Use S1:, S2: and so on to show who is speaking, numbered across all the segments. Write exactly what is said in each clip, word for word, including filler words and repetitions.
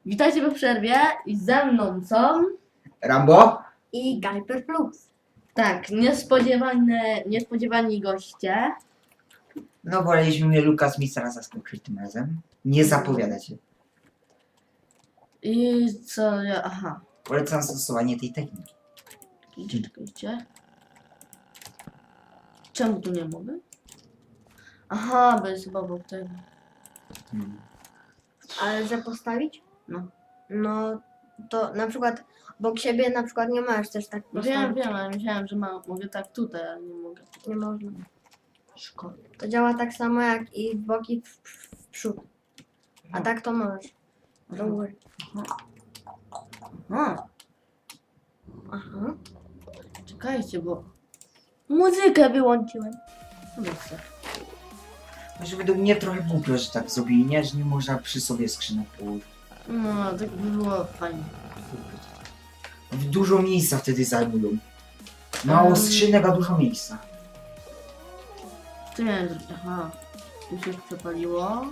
S1: Witajcie po przerwie i ze mną są...
S2: Rambo?
S3: I Gajper Plus.
S1: Tak, niespodziewane, niespodziewani goście.
S2: No woleliśmy mnie Lukas Mistera zaskoczyć tym razem. Nie zapowiada się.
S1: I co ja... Aha.
S2: Polecam stosowanie tej techniki.
S1: Czekajcie, czekajcie. Czemu tu nie mogę? Aha, bo jest chyba obok tego.
S2: Hmm.
S3: Ale że postawić?
S1: No.
S3: No to na przykład obok siebie na przykład nie możesz też tak
S1: No
S3: postawić.
S1: wiem, wiem, ale myślałem, że ma, mogę tak tutaj, ale nie mogę.
S3: Nie można.
S1: Szkoda.
S3: To działa tak samo jak i w boki w, w, w przód. A tak to możesz. Do góry.
S1: Aha,
S3: Aha.
S1: czekajcie, bo... Muzykę wyłączyłem. No dobrze.
S2: Może według mnie trochę głupio, że tak zrobili, nie? Że nie można przy sobie skrzynek położyć.
S1: No, tak by było fajnie.
S2: Dużo miejsca wtedy zajmują. Mało
S1: Mm.
S2: skrzynek, a dużo miejsca.
S1: Co miałem zrobić? Aha. Tu się przepaliło.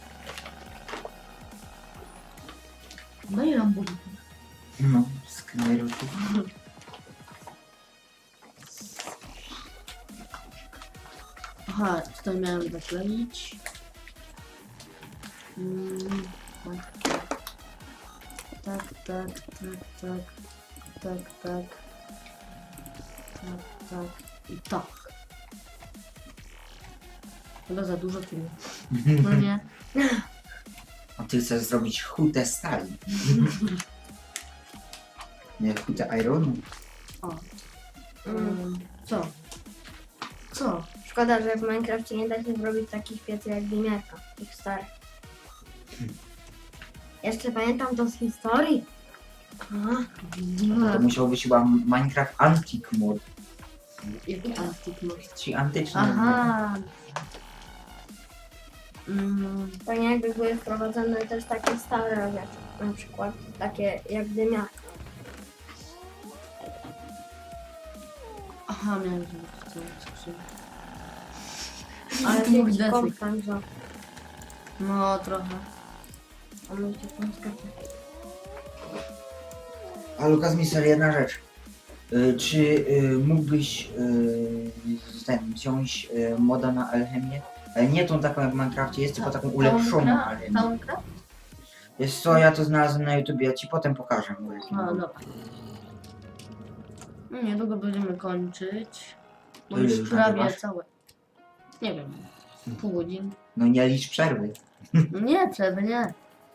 S1: No i Rambo.
S2: No, skrzynek.
S1: Aha, tutaj miałem zakleić. Mm, tak, tak, tak, tak, tak, tak, tak, tak, tak i tak. Chyba za dużo tu. No nie.
S2: A ty chcesz zrobić hutę stali. Nie, hutę ironu.
S1: O.
S3: Mm.
S1: Um, co? Co?
S3: Szkoda, że w Minecrafcie nie da się zrobić takich pieców jak Dymiarka, tych starych. Jeszcze pamiętam to z historii. Aha.
S2: To musiał być chyba Minecraft Antique Mod.
S1: Jaki antyk może?
S2: Czyli antyczny.
S1: Aha. Mm,
S3: Fajnie jakby były wprowadzone też takie stare rzeczy. Na przykład takie jak Dymiarka.
S1: aha, miałem zrobić tą skrzynkę.
S3: Ale
S1: tu mój
S3: wiecie,
S1: desyk.
S3: komp tam za.
S1: No, trochę.
S3: A możecie tam skakać.
S2: A Lukas Mister, jedna rzecz. Y, czy y, mógłbyś y, ten, wziąć y, moda na alchemię? Ale nie tą taką jak w Minecrafcie, jest tylko taką ulepszoną alchemię.
S1: Całą grę?
S2: Wiesz co, ja to znalazłem na YouTubie, ja ci potem pokażę. bo jak nie
S1: A,
S2: mogę.
S1: dobra. No, niedługo będziemy kończyć. Bo
S2: To
S1: już
S2: już
S1: prawie
S2: nagrywasz?
S1: całe. Nie wiem. Pół godziny.
S2: No nie licz przerwy.
S1: No nie, przerwy nie.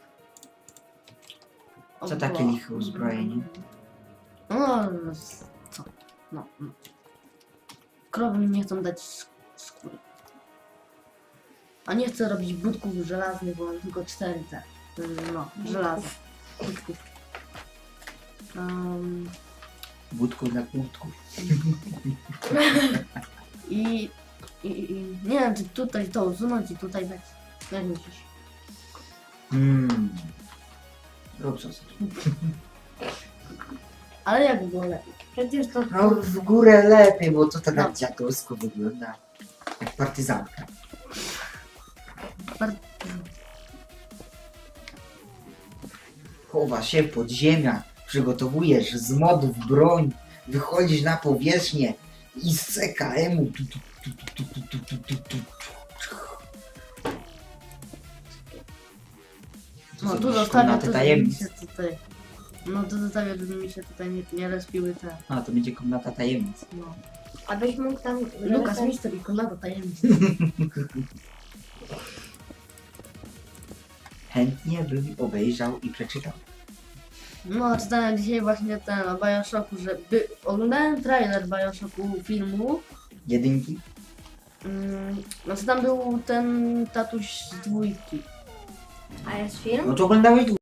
S1: O,
S2: Co takie
S1: bo-
S2: liche uzbrojenie?
S1: No, no, s- co? No. no. Krowy mi nie chcą dać sk- skóry. A nie chcę robić budków żelaznych, bo mam tylko cztery te. No, żelaza. Budków. Um,
S2: Budku dla kłódków.
S1: i, i, I nie wiem, czy tutaj to usunąć i tutaj dać. Jak myślisz?
S2: Hmm. Rób co chcesz.
S1: Ale jak było lepiej?
S3: Przecież to
S2: No w górę lepiej, bo to tak
S1: No.
S2: jak dziadowsko wygląda. Jak partyzantka.
S1: Bar-
S2: Chowasz się w podziemiach, przygotowujesz z modów broń, wychodzisz na powierzchnię i z C K M-u tu, tu, tu, tu, tu, tu, tu, tu, tu. To
S1: No
S2: co,
S1: tu
S2: masz
S1: zostawię
S2: komnatę
S1: to, żeby mi
S2: tajemnic.
S1: się tutaj... No tu zostawię, żeby mi się tutaj nie, nie respiły te...
S2: A, to będzie komnata tajemnic.
S1: No.
S3: abyś mógł tam...
S1: Lukas,
S3: ten-
S1: mister i komnata tajemnic.
S2: Chętnie bym obejrzał i przeczytał.
S1: No, czytałem dzisiaj właśnie ten o Bioshocku, że by... oglądałem trailer Bioshocku filmu.
S2: Jedynki?
S1: Mm, no co tam był ten tatuś z dwójki.
S3: A jest film?
S2: No to oglądałeś